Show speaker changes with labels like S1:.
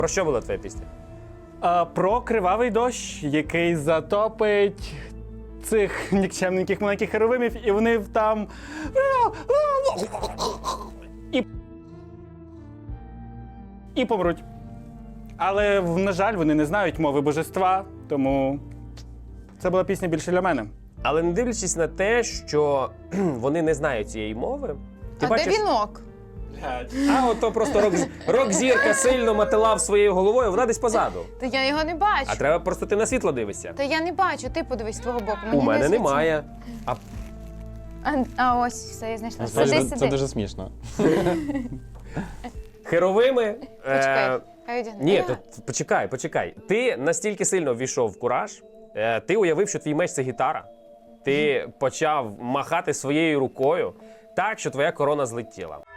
S1: Про що була твоя пісня?
S2: Про кривавий дощ, який затопить цих нікчемненьких маленьких херовимів, і вони там... І помруть. Але, на жаль, вони не знають мови божества, тому це була пісня більше для мене.
S1: Але не дивлячись на те, що вони не знають цієї мови, ти
S3: А
S1: бачиш...
S3: де вінок?
S1: А ото просто рок-зірка сильно мотилав своєю головою, вона десь позаду.
S3: Та я його не бачу.
S1: А треба просто ти на світло дивишся.
S3: Та я не бачу, ти подивись з твого боку. Мені
S1: У мене
S3: не світло.
S1: немає.
S3: А ось, все, я знайшла.
S4: Це
S3: Сиди,
S4: дуже- Це
S3: сиди.
S4: дуже смішно.
S1: Херовими...
S3: Почекай, хай одягне.
S1: Ні, то почекай. Ти настільки сильно ввійшов в кураж, ти уявив, що твій меч – це гітара. Ти почав махати своєю рукою так, що твоя корона злетіла.